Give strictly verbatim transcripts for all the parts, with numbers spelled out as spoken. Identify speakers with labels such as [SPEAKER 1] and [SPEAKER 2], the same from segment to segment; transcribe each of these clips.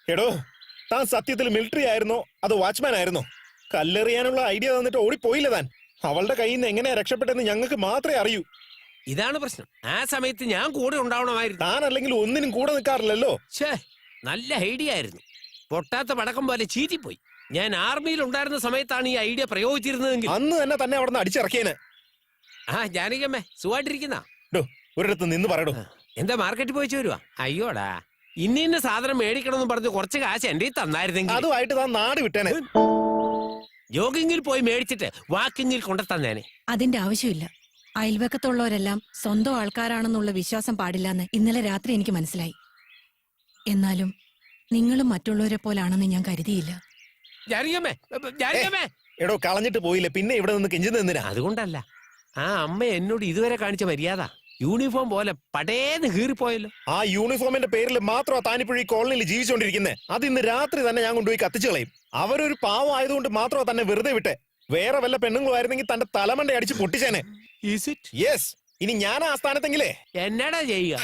[SPEAKER 1] എടോ, താൻ സത്യത്തിൽ മിലിറ്ററി ആയിരുന്നോ അതോ വാച്ച്മാൻ ആയിരുന്നോ? കല്ലെറിയാനുള്ള ഐഡിയ തന്നിട്ട് ഓടിപ്പോയില്ല താൻ. അവളുടെ കയ്യിൽ നിന്ന് എങ്ങനെയാ രക്ഷപ്പെട്ടെന്ന് ഞങ്ങൾക്ക് മാത്രമേ അറിയൂ.
[SPEAKER 2] ഇതാണ് പ്രശ്നം. ആ സമയത്ത് ഞാൻ കൂടെ ഉണ്ടാവണമായിരുന്നു.
[SPEAKER 1] താൻ അല്ലെങ്കിൽ ഒന്നിനും കൂടെ നിൽക്കാറില്ലല്ലോ.
[SPEAKER 2] ഛേ, നല്ല ഐഡിയ ആയിരുന്നു. പൊട്ടാത്ത പടക്കം പോലെ ചീറ്റിപ്പോയി. ഞാൻ ആർമിയിൽ ഉണ്ടായിരുന്ന സമയത്താണ് ഈ ഐഡിയ പ്രയോഗിച്ചിരുന്നതെങ്കിൽ
[SPEAKER 1] അന്ന് തന്നെ തന്നെ അവിടെ നിന്ന് അടിച്ചിറക്കിയേനെ.
[SPEAKER 2] ആ ജാനകിയമ്മേ, സുഖമായിട്ടിരിക്കുന്ന
[SPEAKER 1] ഒരിടത്ത് നിന്ന് പറയടോ.
[SPEAKER 2] എന്താ മാർക്കറ്റിൽ പോയിച്ചു വരുവാ? അയ്യോടാ, ഇന്ന ഇന്ന സാധനം മേടിക്കണമെന്ന് പറഞ്ഞ് കുറച്ച് കാശ് എന്റെ തന്നായിരുന്നെങ്കിൽ
[SPEAKER 1] അതുമായിട്ട് താൻ നാട് വിട്ടേനെ.
[SPEAKER 2] ജോഗിങ്ങിൽ പോയി മേടിച്ചിട്ട് വാക്കിങ്ങിൽ കൊണ്ടുതന്നേനെ.
[SPEAKER 3] അതിന്റെ ആവശ്യമില്ല. അയൽവക്കത്തുള്ളവരെല്ലാം സ്വന്തം ആൾക്കാരാണെന്നുള്ള വിശ്വാസം പാടില്ലെന്ന് ഇന്നലെ രാത്രി എനിക്ക് മനസ്സിലായി. എന്നാലും നിങ്ങളും മറ്റുള്ളവരെ പോലാണെന്ന് ഞാൻ കരുതിയില്ല.
[SPEAKER 2] ജാനകിയമ്മേ, ജാനകിയമ്മേ.
[SPEAKER 1] എടോ, കളഞ്ഞിട്ട് പോയില്ലേ, പിന്നെ ഇവിടെ നിന്ന് കെഞ്ചി നിന്നിനാ.
[SPEAKER 2] അതുകൊണ്ടല്ല, ആ അമ്മ എന്നോട് ഇതുവരെ കാണിച്ച മര്യാദ യൂണിഫോം പോലെ പടേന്ന് കീറിപ്പോയല്ലോ.
[SPEAKER 1] ആ യൂണിഫോമിന്റെ പേരിൽ മാത്രമാ താനിപ്പോഴും ഈ കോളനിയിൽ ജീവിച്ചോണ്ടിരിക്കുന്നത്. അത് ഇന്ന് രാത്രി തന്നെ ഞാൻ കൊണ്ടുപോയി കത്തിച്ചു കളയും. അവരൊരു പാവം ആയതുകൊണ്ട് മാത്രമാ തന്നെ വെറുതെ വിട്ടെ. വേറെ വല്ല പെണ്ണുങ്ങളായിരുന്നെങ്കിൽ തന്റെ തലമണ്ട അടിച്ച് പൊട്ടിച്ചേനെ. യെസ്, ഇനി ഞാൻ ആ സ്ഥാനത്തെങ്കിലേ
[SPEAKER 2] എന്നാടാ ചെയ്യുക?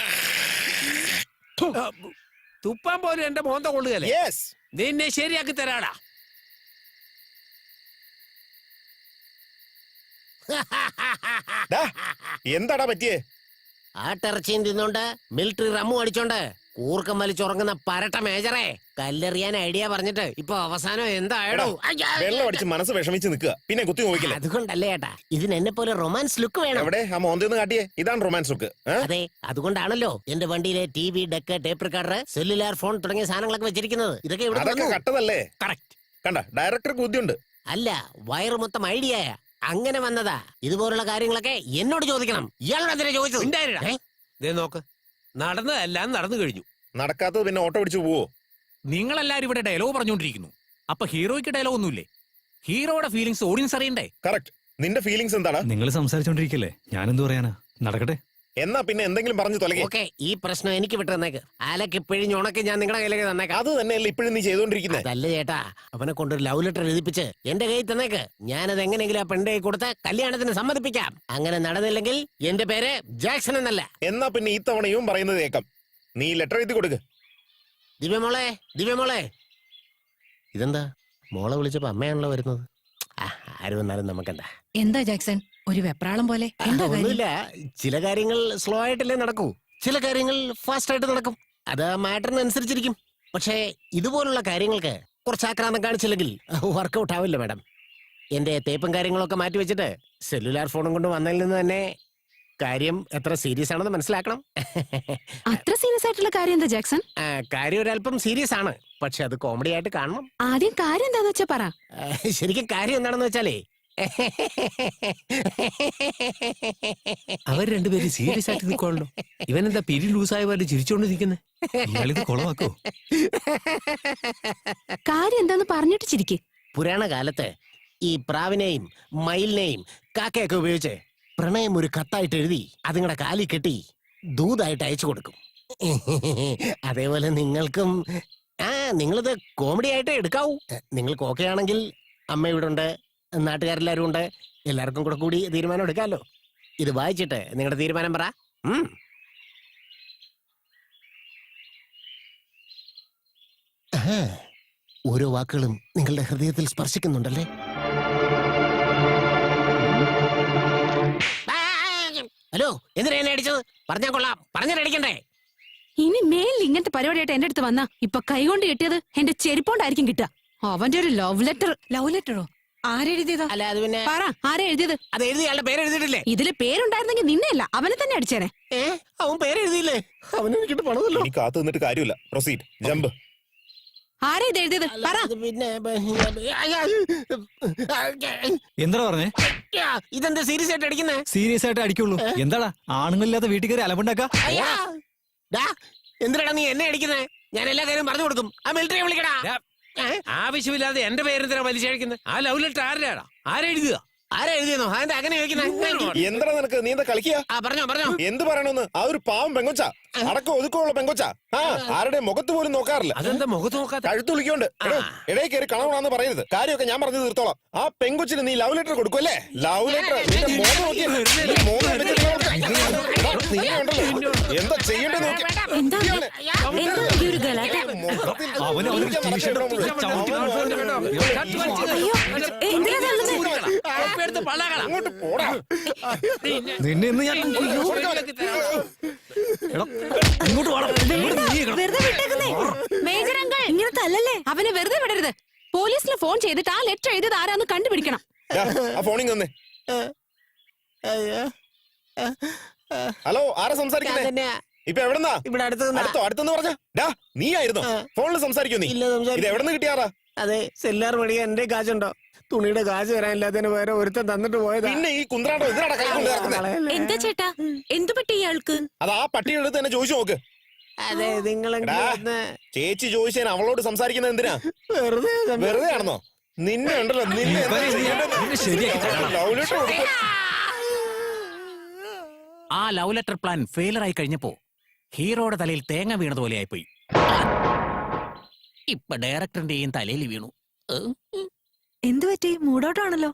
[SPEAKER 2] തുപ്പാൻ പോലും എന്റെ മോന്ത കൊള്ളുകയല്ലേ.
[SPEAKER 1] യെസ്,
[SPEAKER 2] നിന്നെ ശരിയാക്കി തരാടാ.
[SPEAKER 1] എന്താടാ പറ്റിയേ?
[SPEAKER 4] ആട്ടിറച്ചിയും തിന്നോണ്ട് മിലിറ്ററി റമ്മു അടിച്ചോണ്ട് കൂർക്കം വലിച്ചുറങ്ങുന്ന പരട്ട മേജറെ കല്ലെറിയാൻ ഐഡിയ പറഞ്ഞിട്ട് ഇപ്പൊ അവസാനം എന്തായടോ?
[SPEAKER 1] വെള്ളം അടിച്ച് മനസ്സ് വിഷമിച്ച് നിൽക്കുക, പിന്നെ കുത്തി നോക്കില്ല.
[SPEAKER 4] അതുകൊണ്ടല്ലേ ഏട്ടാ, ഇതിന് എന്നെ പോലെ റൊമാൻസ് ലുക്ക് വേണം.
[SPEAKER 1] എവിടെ ആ മോന്തെന്ന് കാട്ടിയേ? ഇതാണ് റൊമാൻസ് ലുക്ക്.
[SPEAKER 4] അതെ, അതുകൊണ്ടാണല്ലോ എന്റെ വണ്ടിയിലെ T V, deck, tape recorder, cellular phone തുടങ്ങിയ സാധനങ്ങളൊക്കെ വെച്ചിരിക്കുന്നത്. ഇതൊക്കെ ഇവിടെ
[SPEAKER 1] കട്ടതല്ലേ?
[SPEAKER 2] കറക്റ്റ്.
[SPEAKER 1] കണ്ട, ഡയറക്ടർക്ക് ബുദ്ധിയുണ്ട്.
[SPEAKER 4] അല്ല, വയറ് മൊത്തം ഐഡിയ അങ്ങനെ വന്നതാ. ഇതുപോലുള്ള കാര്യങ്ങളൊക്കെ എന്നോട് ചോദിക്കണം. ഇയാളോട് എന്തിനാ ചോദിച്ചത്?
[SPEAKER 2] നോക്ക്, നടന്നതെല്ലാം നടന്നു കഴിഞ്ഞു.
[SPEAKER 1] നടക്കാത്തത് പിന്നെ ഓട്ടോ പിടിച്ചു പോവോ?
[SPEAKER 5] നിങ്ങളെല്ലാരും ഇവിടെ ഡയലോഗ് പറഞ്ഞുകൊണ്ടിരിക്കുന്നു. അപ്പൊ ഹീറോയ്ക്ക് ഡയലോഗ് ഒന്നുമില്ലേ? ഹീറോയുടെ ഫീലിംഗ്സ് ഓഡിയൻസ് അറിയണ്ടേ?
[SPEAKER 1] കറക്റ്റ്. നിന്റെ ഫീലിംഗ്സ് എന്താണ്?
[SPEAKER 6] നിങ്ങൾ സംസാരിച്ചോണ്ടിരിക്കല്ലേ, ഞാനെന്ത് പറയാനാ? നടക്കട്ടെ.
[SPEAKER 1] എന്നാ പിന്നെ എന്തെങ്കിലും പറഞ്ഞു തൊലകെ.
[SPEAKER 4] ഓക്കെ, ഈ പ്രശ്നം എനിക്ക് വിട്ടുതന്നേക്ക്. ആലക്ക് പിഴിഞ്ഞ് ഉണക്കി ഞാൻ നിങ്ങളുടെ കയ്യിലേക്ക് തന്നേക്കാം.
[SPEAKER 1] അത് തന്നെയല്ലേ ഇപ്പോഴും നീ ചെയ്തോണ്ടിരിക്കുന്നത്?
[SPEAKER 4] അതല്ല ചേട്ടാ, അവനെ കൊണ്ടൊരു ലവ് ലെറ്റർ എഴുതിപ്പിച്ച് എന്റെ കയ്യിൽ തന്നേക്ക്. ഞാനത് എങ്ങനെയെങ്കിലും ആ പെണ്ണിന്റെ കൈ കൊടുത്ത് കല്യാണത്തിന് സമ്മതിപ്പിക്കാം. അങ്ങനെ നടന്നില്ലെങ്കിൽ എന്റെ പേര് ജാക്സൺ എന്നല്ല.
[SPEAKER 1] എന്നാ പിന്നെ ഈ തവണയും പറയുന്നത് കേൾക്കാം. നീ ലെറ്റർ എഴുതി കൊടുക്ക്.
[SPEAKER 4] ദിവ്യമോളെ, ദിവ്യമോളെ. ഇതെന്താ മോളെ വിളിച്ചപ്പോ അമ്മയാണല്ലോ വരുന്നത്? ആര് വന്നാലും നമുക്കെന്താ?
[SPEAKER 3] എന്താ ജാക്സൺ ഒരു വെപ്രാളം പോലെ?
[SPEAKER 4] ഒന്നുമില്ല, ചില കാര്യങ്ങൾ സ്ലോ ആയിട്ടല്ലേ നടക്കൂ, ചില കാര്യങ്ങൾ ഫാസ്റ്റ് ആയിട്ട് നടക്കും. അത് മാറ്ററിന് അനുസരിച്ചിരിക്കും. പക്ഷേ ഇതുപോലുള്ള കാര്യങ്ങൾക്ക് കുറച്ച് ആക്രാന്തം കാണിച്ചില്ലെങ്കിൽ വർക്കൗട്ട് ആവില്ല മാഡം. എന്റെ തേപ്പും കാര്യങ്ങളൊക്കെ മാറ്റി വെച്ചിട്ട് സെല്ലുലാർ ഫോണും കൊണ്ട് വന്നതിൽ നിന്ന് തന്നെ കാര്യം എത്ര സീരിയസ് ആണെന്ന് മനസ്സിലാക്കണം.
[SPEAKER 3] അത്ര സീരിയസ് ആയിട്ടുള്ള കാര്യം എന്താ ജാക്സൺ?
[SPEAKER 4] കാര്യം ഒരല്പം സീരിയസ് ആണ്, പക്ഷെ അത് കോമഡി ആയിട്ട് കാണണം.
[SPEAKER 3] ആദ്യം കാര്യം എന്താന്ന് വെച്ചാ പറ.
[SPEAKER 4] ശരിക്കും കാര്യം എന്താണെന്ന് വെച്ചാലേ,
[SPEAKER 2] അവർ രണ്ടുപേരും സീരിയസ് ആയിട്ട് നിൽക്കുവാണല്ലോ. ഇവനെന്താ പിരി ലൂസായ പോലെ ചിരിച്ചോണ്ട് നിൽക്കുന്നത്?
[SPEAKER 6] ഇയാളിത് കൊളവാക്കോ?
[SPEAKER 3] കാര്യം എന്താന്ന് പറഞ്ഞിട്ട് ചിരിക്ക്.
[SPEAKER 4] പുരാണ കാലത്ത് ഈ പ്രാവിനെയും മയിലിനെയും കാക്കയൊക്കെ ഉപയോഗിച്ച് പ്രണയം ഒരു കത്തായിട്ട് എഴുതി അതുങ്ങളുടെ കാലിൽ കെട്ടി ദൂതായിട്ട് അയച്ചു കൊടുക്കും. അതേപോലെ നിങ്ങൾക്കും ആ നിങ്ങളിത് കോമഡി ആയിട്ട് എടുക്കാവൂ. നിങ്ങൾക്ക് ഓക്കെ ആണെങ്കിൽ അമ്മ ഇവിടെ ഉണ്ട്, നാട്ടുകാരെല്ലാരും ഉണ്ട്, എല്ലാവർക്കും കൂടെ കൂടി തീരുമാനം എടുക്കാമല്ലോ. ഇത് വായിച്ചിട്ട് നിങ്ങളുടെ തീരുമാനം പറ. ഓരോ വാക്കുകളും നിങ്ങളുടെ ഹൃദയത്തിൽ സ്പർശിക്കുന്നുണ്ടല്ലേ? ഹലോ, എന്തിനാ എന്നെ അടിച്ചത്? പറഞ്ഞാ കൊള്ളാം, പറഞ്ഞിട്ടടിക്കണ്ടേ?
[SPEAKER 3] ഇനി മേലിൽ ഇങ്ങനത്തെ പരിപാടിയായിട്ട് എന്റെ അടുത്ത് വന്നാ ഇപ്പൊ കൈകൊണ്ട് കിട്ടിയത് എന്റെ ചെരുപ്പോണ്ടായിരിക്കും കിട്ടുക. അവന്റെ ഒരു ലവ് ലെറ്റർ. ലവ് ലെറ്ററോ? ആരെഴുതിയതാ?
[SPEAKER 4] അല്ല, അത് പിന്നെ
[SPEAKER 3] പറ, ആരാ എഴുതിയത്?
[SPEAKER 4] അത് എഴുതിയാളുടെ പേര് എഴുതിയിട്ടില്ലേ?
[SPEAKER 3] ഇതില് പേരുണ്ടായിരുന്നെങ്കിൽ നിന്നെയല്ല അവനെ തന്നെ അടിച്ചേനെ.
[SPEAKER 4] ഏ, അവൻ പേര് എഴുതിയില്ലേ? അവന് എനിക്കിട്ട് പണതല്ലോ.
[SPEAKER 1] ഇനി കാത്തു നിന്നിട്ട് കാര്യമില്ല. Proceed, jump.
[SPEAKER 3] ആരാ ഇത് എഴുതിയത്? പറ.
[SPEAKER 4] പിന്നെ
[SPEAKER 6] എന്താ പറഞ്ഞേ?
[SPEAKER 4] ഇതെന്താ സീരിയസ് ആയിട്ട് അടിക്കുന്നേ?
[SPEAKER 6] സീരിയസ് ആയിട്ട് അടിക്കുള്ളൂ. എന്താടാ ആണുങ്ങളില്ലാത്ത വീട്ടിൽ കയറി അലമ്പുണ്ടാക്കാ?
[SPEAKER 4] എന്തിനാടാ നീ എന്നെ അടിക്കുന്നേ? ഞാൻ എല്ലാ കാര്യം പറഞ്ഞു കൊടുക്കും. ആ മിലിറ്ററി വിളിക്കടാ.
[SPEAKER 2] ആവശ്യമില്ലാതെ എന്റെ പേരെന്തിനാ വലിച്ചഴിക്കുന്നത്? ആ ലവ് ലെറ്റർ ആരുടെയാടാ? ആരെഴുതുക?
[SPEAKER 4] ആരാ എഴുതിയെന്നോ അതെന്താ അങ്ങനെ ചോദിക്കുന്നത്?
[SPEAKER 1] എന്താ നിനക്ക് നീ എന്താ കളിക്കുക?
[SPEAKER 4] ആ പറഞ്ഞോ പറഞ്ഞോ.
[SPEAKER 1] എന്ത് പറയണമെന്ന്? ആ ഒരു പാവം പെങ്കൊച്ച, അടക്കം ഒതുക്കമുള്ള പെങ്കൊച്ച. ആ ആരുടെ മുഖത്ത് പോലും നോക്കാറില്ല.
[SPEAKER 2] അതെന്താ മുഖത്ത് നോക്കാത്ത?
[SPEAKER 1] കഴുത്ത് വിളിക്കോണ്ട് ഇടയിൽ കയറി കളവണമെന്ന് പറയരുത്. കാര്യമൊക്കെ ഞാൻ പറഞ്ഞു തീർത്തോളാം. ആ പെങ്കൊച്ചിന് നീ ലവ് ലെറ്റർ കൊടുക്കുമല്ലേ? ലവ് ലെറ്റർ എന്താ ചെയ്യേണ്ടത് നോക്കി.
[SPEAKER 3] എന്താ എന്താ ഈ ഒരു ഗലാട്ട?
[SPEAKER 6] അവന് അവനൊരു ടീഷർട്ട്
[SPEAKER 3] അയ്യോ എന്തിനാ തള്ളുന്നേ?
[SPEAKER 2] എടുത്ത് പള്ളകളാ.
[SPEAKER 1] അങ്ങോട്ട് പോടാ.
[SPEAKER 6] നിന്നെ ഇന്ന് ഞാൻ എടാ, ഇങ്ങോട്ട് വാടാ. ഇങ്ങോട്ട് നീങ്ങണം.
[SPEAKER 3] വെറുതെ വിട്ടേക്കുന്നേ. മേജർ അങ്കിൾ ഇങ്ങനെ തല്ലല്ലേ. അവനെ വെറുതെ വിടരുത്. പോലീസിന് ഫോൺ ചെയ്തിട്ട് ആ ലെറ്റർ എഴുതിയത് ആരാന്ന് കണ്ടുപിടിക്കണം.
[SPEAKER 1] ദാ, ആ ഫോണിൽ തന്നെ. ഹലോ, ആരാ സംസാരിക്കുന്നേ?
[SPEAKER 4] അതന്നെ.
[SPEAKER 1] ഇപ്പൊ എവിടെന്നാ?
[SPEAKER 4] ഇവിടെ അടുത്ത്
[SPEAKER 1] അടുത്തോ അടുത്തെന്ന് പറഞ്ഞ ഡാ നീ ആയിരുന്നോ ഫോണിൽ സംസാരിക്കോ? നീ
[SPEAKER 4] ഇല്ല സംസാരിക്കും.
[SPEAKER 1] ഇത് എവിടെന്ന് കിട്ടിയാറാ?
[SPEAKER 4] അതെ സെല്ലാർ മേടിക്കാൻ എന്റെ കാശുണ്ടോ? തുണിയുടെ കാശ് വരാനില്ലാത്തതിന് വേറെ ഒരുത്തൻ തന്നിട്ട് പോയതാ.
[SPEAKER 1] പിന്നെ ഈ കുന്ത്രാണ്ടോ ഇതിനാടാ കൈ കൊണ്ട് നടക്കുന്നത്?
[SPEAKER 3] എന്താ ചേട്ടാ എന്തു പറ്റി ഇയാൾക്ക്?
[SPEAKER 1] അത് ആ പട്ടിയുടെ അടുത്ത് തന്നെ ചോദിച്ചു നോക്ക്.
[SPEAKER 4] അതെ നിങ്ങൾ
[SPEAKER 1] എടാ, ചേച്ചി ചോദിച്ചേന് അവളോട് സംസാരിക്കുന്നത് എന്തിനാ?
[SPEAKER 4] വെറുതെ
[SPEAKER 1] വെറുതെ ആണെന്നോ? നിന്നെ ഉണ്ടല്ലോ നിന്നെ എന്താ ചെയ്യേണ്ടത്?
[SPEAKER 6] നിന്നെ ശരിയാക്കി തരാം.
[SPEAKER 1] ലവ് ലെറ്റർ കൊടുക്കും.
[SPEAKER 5] ആ ലവ് ലെറ്റർ പ്ലാൻ ഫെയിലർ ആയി കഴിഞ്ഞപ്പോ ഹീറോയുടെ തലയിൽ തേങ്ങ വീണതുപോലെ ആയിപ്പോയി. ഇപ്പൊ ഡയറക്ടറിന്റെയും തലയിൽ വീണു. ഏഹ്?
[SPEAKER 3] എന്തു പറ്റി? മൂടോട്ടാണല്ലോ.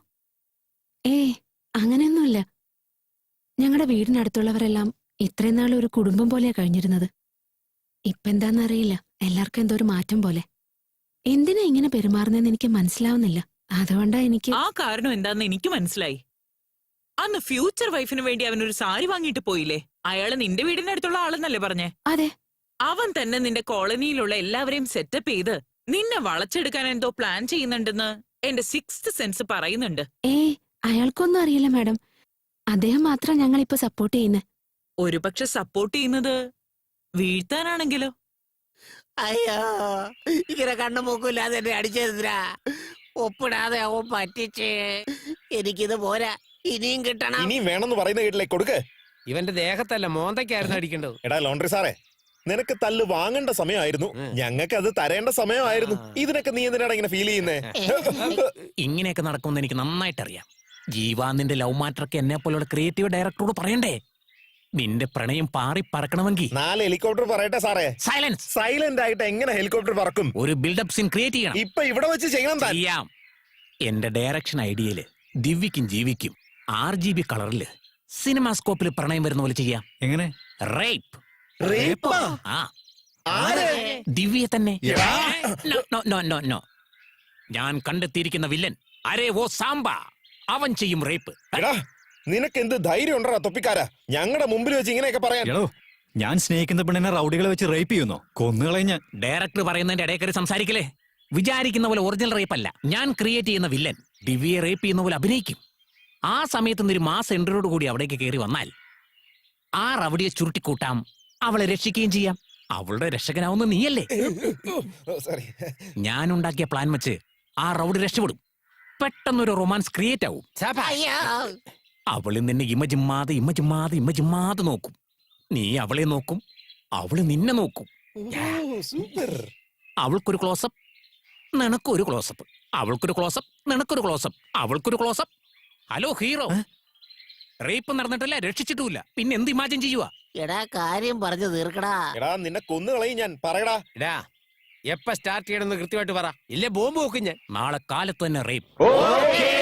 [SPEAKER 3] ഏ അങ്ങനെയൊന്നുമില്ല. ഞങ്ങളുടെ വീടിനടുത്തുള്ളവരെല്ലാം ഇത്രയും നാൾ ഒരു കുടുംബം പോലെയാ കഴിഞ്ഞിരുന്നത്. ഇപ്പെന്താന്നറിയില്ല, എല്ലാവർക്കും എന്തോ ഒരു മാറ്റം പോലെ. എന്തിനാ ഇങ്ങനെ പെരുമാറുന്നതെന്ന് എനിക്ക് മനസ്സിലാവുന്നില്ല. അതുകൊണ്ടാ എനിക്ക്
[SPEAKER 7] ആ കാരണം എന്താന്ന് എനിക്ക് മനസ്സിലായി. അന്ന് ഫ്യൂച്ചർ വൈഫിന് വേണ്ടി അവനൊരു സാരി വാങ്ങിയിട്ട് പോയില്ലേ? അയാള് നിന്റെ വീടിനടുത്തുള്ള ആളെന്നല്ലേ പറഞ്ഞേ?
[SPEAKER 3] അതെ.
[SPEAKER 7] അവൻ തന്നെ നിന്റെ കോളനിയിലുള്ള എല്ലാവരെയും സെറ്റപ്പ് ചെയ്ത് നിന്നെ വളച്ചെടുക്കാൻ എന്തോ പ്ലാൻ ചെയ്യുന്നുണ്ടെന്ന് എന്റെ സിക്സ്ത് സെൻസ് പറയുന്നുണ്ട്.
[SPEAKER 3] ഏ അയാൾക്കൊന്നും അറിയില്ല മാഡം. അദ്ദേഹം മാത്രം ഞങ്ങൾ ഇപ്പൊ സപ്പോർട്ട് ചെയ്യുന്നത്.
[SPEAKER 7] ഒരുപക്ഷെ സപ്പോർട്ട് ചെയ്യുന്നത് വീഴ്ത്താനാണെങ്കിലോ?
[SPEAKER 4] അയ്യോ ഇങ്ങനെ കണ്ണു മൂക്കില്ലാതെ എന്നെ അടിച്ചെടുത്തിരാ. ഒപ്പിടാതെ അവൻ പറ്റിച്ചേ. എനിക്കിത് പോരാ, ഇനിയും കിട്ടണം.
[SPEAKER 1] ഇനിയും വേണമെന്ന് പറയുന്ന കേട്ടില്ലേ? കൊടുക്ക്.
[SPEAKER 2] ഇവന്റെ ദേഹത്തല്ല മോന്തയ്ക്കായിരുന്നു അടിക്കേണ്ടത്.
[SPEAKER 1] എടാ ലോണ്ടറി സാറേ, നിനക്ക് തല്ല് വാങ്ങേണ്ട സമയമായിരുന്നു, ഞങ്ങൾക്ക് അത് തരേണ്ട സമയമായിരുന്നു. ഇതിനൊക്കെ നീ എന്തിനാണ് ഇങ്ങനെ ഫീൽ ചെയ്യുന്നേ?
[SPEAKER 5] ഇങ്ങനെയൊക്കെ നടക്കുമെന്ന് എനിക്ക് നന്നായിട്ട് അറിയാം. ജീവ നിന്റെ ലവ് മാറ്ററൊക്കെ എന്നെ പോലുള്ള ക്രിയേറ്റീവ് ഡയറക്ടറോട് പറയണ്ടേ? നിന്റെ പ്രണയം പാറി പറക്കണമെങ്കിൽ
[SPEAKER 1] നാല് ഹെലികോപ്റ്റർ പറയട്ടെ സാറേ.
[SPEAKER 5] സൈലൻസ്.
[SPEAKER 1] സൈലന്റ് ആയിട്ട് എങ്ങനെ ഹെലികോപ്റ്റർ പറക്കും?
[SPEAKER 5] ഒരു ബിൽഡപ്പ് സീൻ ക്രിയേറ്റ് ചെയ്യണം.
[SPEAKER 1] ഇപ്പൊ ഇവിടെ വെച്ച് ചെയ്യണം താൻ.
[SPEAKER 5] ചെയ്യാം. എന്റെ ഡയറക്ഷൻ ഐഡിയയില് ദിവ്യക്കും ജീവിക്കും ആർ ജി ബി കളറില് സിനിമാസ്കോപ്പിൽ പ്രണയം വരുന്ന പോലെ ചെയ്യാം.
[SPEAKER 6] എങ്ങനെ?
[SPEAKER 5] റേപ്പ്.
[SPEAKER 1] റേപ്പാ?
[SPEAKER 5] ആ
[SPEAKER 1] ആരെ?
[SPEAKER 5] ദിവ്യയെ തന്നെ.
[SPEAKER 1] എടാ.
[SPEAKER 5] No, no, no, no, no. ഞാൻ കണ്ടെത്തിയിരിക്കുന്ന വില്ലൻ അരേ ഓ സാമ്പ. അവൻ ചെയ്യും റേപ്പ്.
[SPEAKER 1] എടാ നിനക്ക് എന്ത് ധൈര്യം ഉണ്ടോ തൊപ്പിക്കാരാ ഞങ്ങളുടെ മുമ്പിൽ വെച്ച് ഇങ്ങനെയൊക്കെ പറയാൻ?
[SPEAKER 6] എടോ, ഞാൻ സ്നേഹിക്കുന്ന പെണ്ണിനെ റൗഡികളെ വെച്ച് റേപ്പ് ചെയ്യുന്നോ? കൊന്നുകളയും ഞാൻ.
[SPEAKER 5] ഡയറക്ടർ പറയുന്നതിന്റെ ഇടയിൽ കയറി സംസാരിക്കലേ. വിചാരിക്കുന്ന പോലെ ഒറിജിനൽ റേപ്പ് അല്ല. ഞാൻ ക്രിയേറ്റ് ചെയ്യുന്ന വില്ലൻ ദിവ്യയെ റേപ്പ് ചെയ്യുന്ന പോലെ അഭിനയിക്കും. ആ സമയത്ത് ഒരു മാസ് എൻട്രിയോട് കൂടി അവിടേക്ക് കയറി വന്നാൽ ആ റവടിയെ ചുരുട്ടിക്കൂട്ടാം, അവളെ രക്ഷിക്കുകയും ചെയ്യാം. അവളുടെ രക്ഷകനാവുന്ന നീയല്ലേ?
[SPEAKER 1] സോറി.
[SPEAKER 5] ഞാൻ ഉണ്ടാക്കിയ പ്ലാൻ വെച്ച് ആ റൗഡി രക്ഷപ്പെടും. പെട്ടെന്നൊരു റൊമാൻസ് ക്രിയേറ്റ് ആവും. അവള് നിന്നെ ഇമ ജിമ്മാതെ ഇമ ജിമ്മാതെ ഇമ ജിമ്മാതെ നോക്കും. നീ അവളെ നോക്കും, അവള് നിന്നെ നോക്കും.
[SPEAKER 1] സൂപ്പർ.
[SPEAKER 5] അവൾക്കൊരു ക്ലോസപ്പ്, നിനക്കൊരു ക്ലോസപ്പ്. അവൾക്കൊരു ക്ലോസപ്പ്, നിനക്കൊരു ക്ലോസപ്പ്. അവൾക്കൊരു ക്ലോസപ്പ്. ഹലോ ഹീറോ, റേപ്പ് നടന്നിട്ടില്ല, രക്ഷിച്ചിട്ടുമില്ല, പിന്നെ എന്ത് ഇമാജിൻ ചെയ്യുക?
[SPEAKER 4] എടാ കാര്യം പറഞ്ഞു തീർക്കടാ.
[SPEAKER 1] എടാ നിന്നെ കൊന്നുകളയും ഞാൻ. പറയടാ.
[SPEAKER 2] എടാ എപ്പ സ്റ്റാർട്ട് ചെയ്യണമെന്ന് കൃത്യമായിട്ട് പറ, ഇല്ലേ ബോംബ് വെക്കും ഞാൻ.
[SPEAKER 5] നാളെ കാലത്ത് തന്നെ റേപ്പ്.